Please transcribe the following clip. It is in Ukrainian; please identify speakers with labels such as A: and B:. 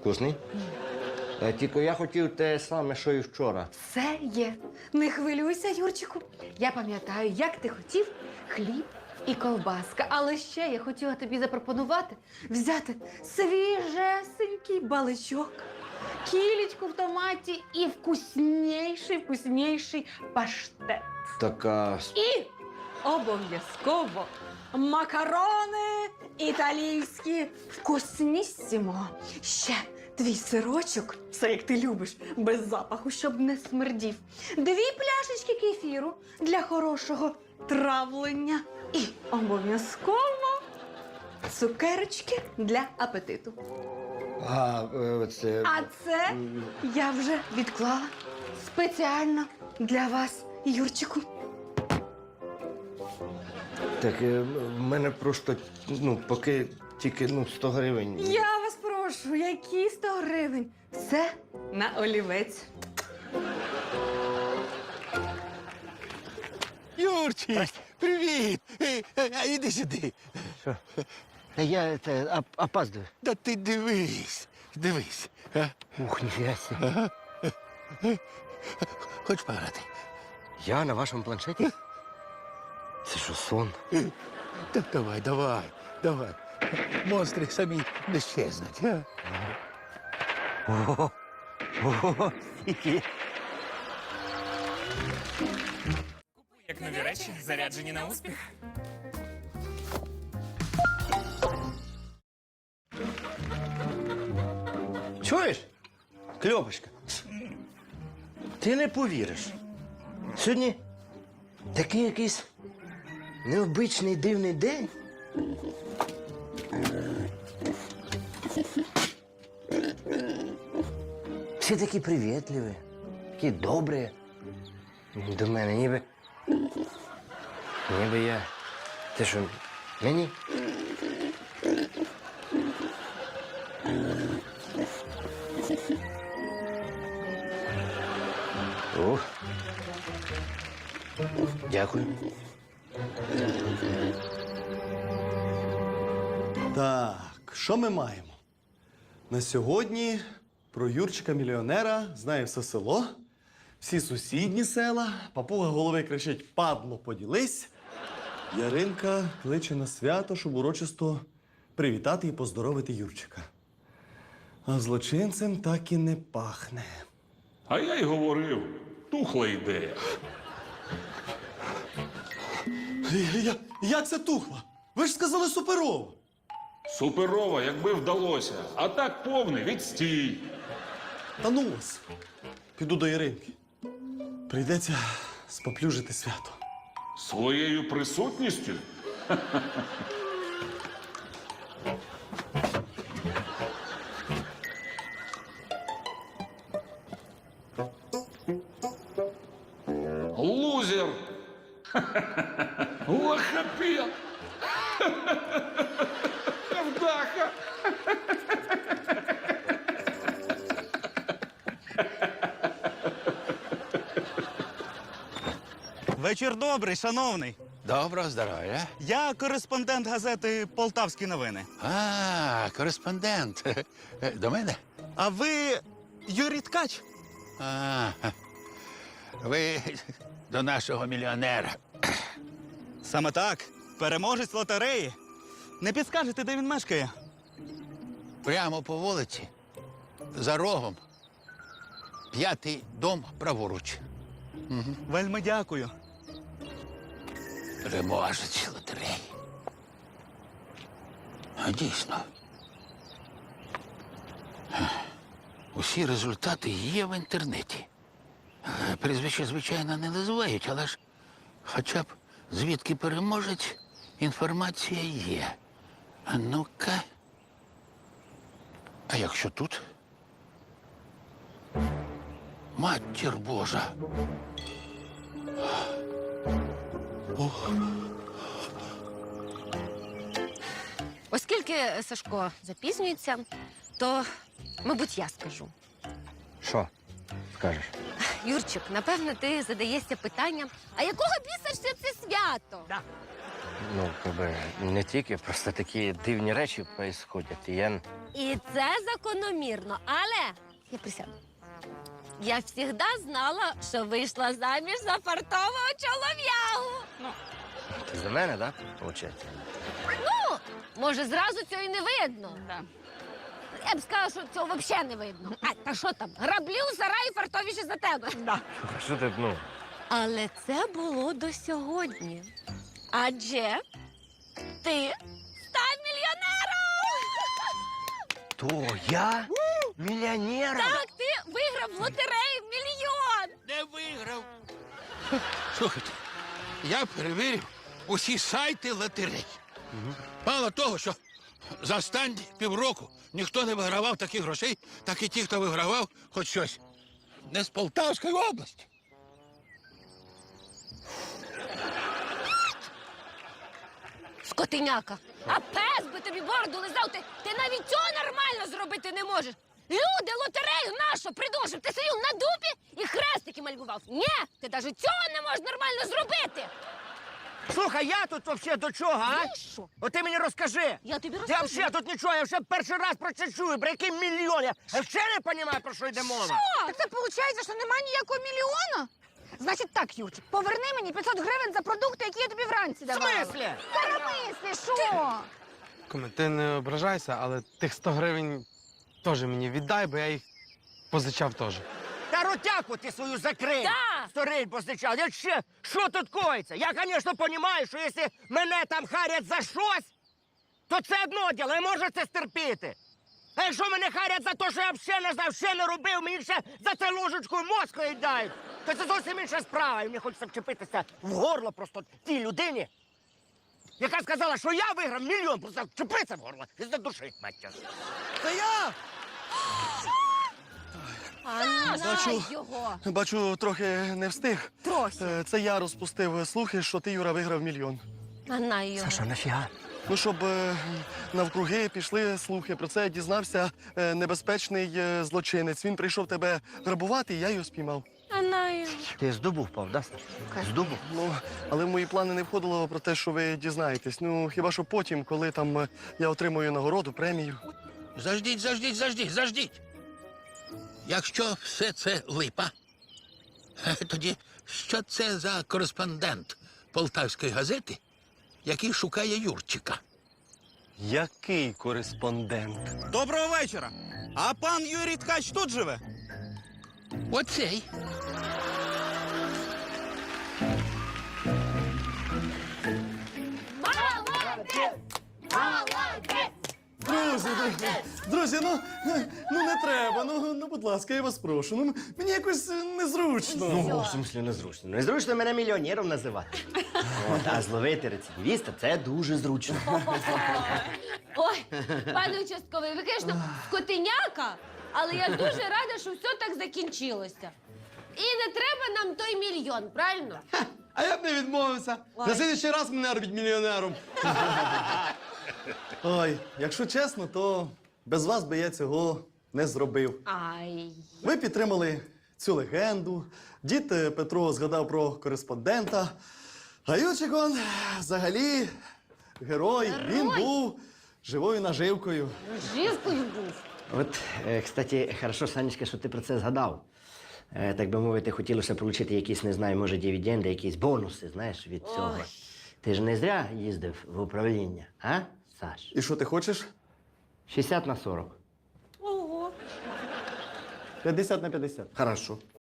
A: Вкусний? Тільки я хотів те саме, що і вчора.
B: Все є. Не хвилюйся, Юрчику. Я пам'ятаю, як ти хотів хліб і ковбаска. Але ще я хотіла тобі запропонувати взяти свіжесенький баличок, кілечку в томаті і вкусніший паштет.
A: Така.
B: І обов'язково макарони італійські вкуснісімо. Ще твій сирочок, все як ти любиш, без запаху, щоб не смердів. 2 пляшечки кефіру для хорошого травлення. І обов'язково цукерочки для апетиту.
A: Це...
B: А це я вже відклала спеціально для вас, Юрчику.
A: Так, в мене просто, поки тільки 100 гривень.
B: Я вас прошу, які 100 гривень? Все на олівець.
C: Юрчик, привіт! Іди сюди.
A: Та я опаздую.
C: Та ти дивись.
A: Ух, ніфіга себе.
C: Хочеш пограти?
A: Я на вашому планшеті? Це що, сон?
C: Так давай. Монстри самі не щезнуть.
A: Ого, стільки.
D: Як нові речі, заряджені на успіх.
A: Чуєш? Кльопочка, ти не повіриш. Сьогодні такий якийсь необичний дивний день. Всі такі привітливі, такі добрі до мене, ніби я... Ти що, мені? О, дякую.
E: Так, що ми маємо? На сьогодні про Юрчика-мільйонера знає все село, всі сусідні села, папуга голови кричить «Падло, поділись!». Яринка кличе на свято, щоб урочисто привітати і поздоровити Юрчика. А злочинцем так і не пахне.
F: А я й говорив, тухла ідея.
E: Як це тухла? Ви ж сказали суперово!
F: Суперова, якби вдалося. А так повний відстій.
E: Та ну вас! Піду до Яринки. Прийдеться споплюжити свято.
F: Своєю присутністю? Лузер! Лохопед! Невдаха!
G: Вечір добрий, шановний.
C: Доброго здоров'я.
G: Я кореспондент газети «Полтавські новини».
C: Кореспондент. До мене?
G: А ви Юрій Ткач?
C: Ви до нашого мільйонера.
G: Саме так. Переможець лотереї. Не підскажете, де він мешкає?
C: Прямо по вулиці, за рогом. 5-й дом праворуч.
G: Вельми дякую.
C: Переможець лотереї. А дійсно. Усі результати є в інтернеті. Прізвище, звичайно, не називають, але ж хоча б звідки переможець, інформація є. А ну-ка. А якщо тут? Матір Божа.
H: Оскільки Сашко запізнюється, то, мабуть, я скажу.
A: Що скажеш?
H: Юрчик, напевно, ти задаєшся питанням, а якого біса ж це свято?
A: Ну, не тільки, просто такі дивні речі відбуваються. І я...
H: І це закономірно, але я присяду. Я завжди знала, що вийшла заміж за фартового чолов'ягу.
A: Ти за мене, так? Виходить?
H: Ну, може, зразу цього і не видно.
B: Да.
H: Я б сказала, що цього взагалі не видно. А, та що там? Граблі у сараї фартовіші за тебе.
A: Що ти, ну?
H: Але це було до сьогодні. Адже ти став мільйонером!
A: То я? Мільйонером?
H: Так, ти виграв в лотереї мільйон!
C: Не виграв. Слухайте, я перевірив усі сайти лотерей. Мало того, що за останні півроку ніхто не вигравав таких грошей, так і ті, хто вигравав хоч щось. Не з Полтавської області.
H: Скотиняка! А пес би тобі бороду лизав, ти навіть цього нормально зробити не можеш. Люди лотерею нашу придумали, щоб ти сидів на дупі і хрестики малював. Ні, ти навіть цього не можеш нормально зробити.
A: Слухай, я тут взагалі до чого, а?
H: Ну що?
A: От ти мені розкажи.
H: Я тобі
A: Я
H: розкажу.
A: взагалі тут нічого, я вже перший раз про це чую. Про який мільйон? Я взагалі не розумію, про що йде мова.
B: Так це виходить, що немає ніякого мільйона? Значить так, Юрчик, поверни мені 500 гривень за продукти, які я тобі вранці
A: В
B: давала.
A: смислі?
B: Перемисли, що?
I: Куме, ти не ображайся, але тих 100 гривень теж мені віддай, бо я їх позичав теж.
A: Та ротяку ти свою закрий.
H: Да.
A: Сториль позичав. Я ще, що тут коїться? Я, звісно, розумію, що якщо мене там харять за щось, то це одно діло, я можу це стерпіти. А якщо мене харять за те, що я взагалі не знав, ще не робив, мені ще за це ложечкою мозку їдають, то це зовсім інша справа. І мені хочеться вчепитися в горло просто тій людині, яка сказала, що я виграв мільйон, просто вчепитися в горло і задушить, маття.
E: Це я!
H: А
E: Бачу.
H: його.
E: Бачу, трохи не встиг.
H: Трохи.
E: Це я розпустив слухи, що ти, Юра, виграв мільйон.
H: А його.
A: нафіга?
E: Ну, щоб навкруги пішли слухи. Про це дізнався небезпечний злочинець. Він прийшов тебе грабувати, і я його спіймав.
H: А його.
A: Ти з дубу впав, да, Саш? З дубу?
E: Ну, але в мої плани не входило про те, що ви дізнаєтесь. Ну, хіба що потім, коли там я отримую нагороду, премію.
C: Заждіть. Якщо все це липа, тоді що це за кореспондент Полтавської газети, який шукає Юрчика?
E: Який кореспондент?
G: Доброго вечора. А пан Юрій Ткач тут живе?
C: Оцей.
E: Друзі, ну не треба. Ну, будь ласка, я вас прошу. Ну, мені якось незручно.
A: Ну, в смислі незручно. Незручно мене мільйонером називати. От, а зловити рецидивіста – це дуже зручно.
H: Ой, пане участковий, ви, звісно, скотиняка, але я дуже рада, що все так закінчилося. І не треба нам той мільйон, правильно?
E: А я б не відмовився. На слідчий раз мене робіть мільйонером. Ой, якщо чесно, то без вас би я цього не зробив.
H: Ай.
E: Ви підтримали цю легенду. Дід Петро згадав про кореспондента. А Юрчик, он взагалі герой. Він був живою наживкою.
H: Живкою був.
A: От, кстати, хорошо, Санечка, що ти про це згадав. Так би мовити, хотілося отримати якісь, не знаю, може, дивіденди, якісь бонуси, знаєш, від цього.
H: Ой.
A: Ти ж не зря їздив в управління, а, Саш?
E: І що ти хочеш?
A: 60 на 40.
H: Ого.
E: 50 на 50.
A: Хорошо.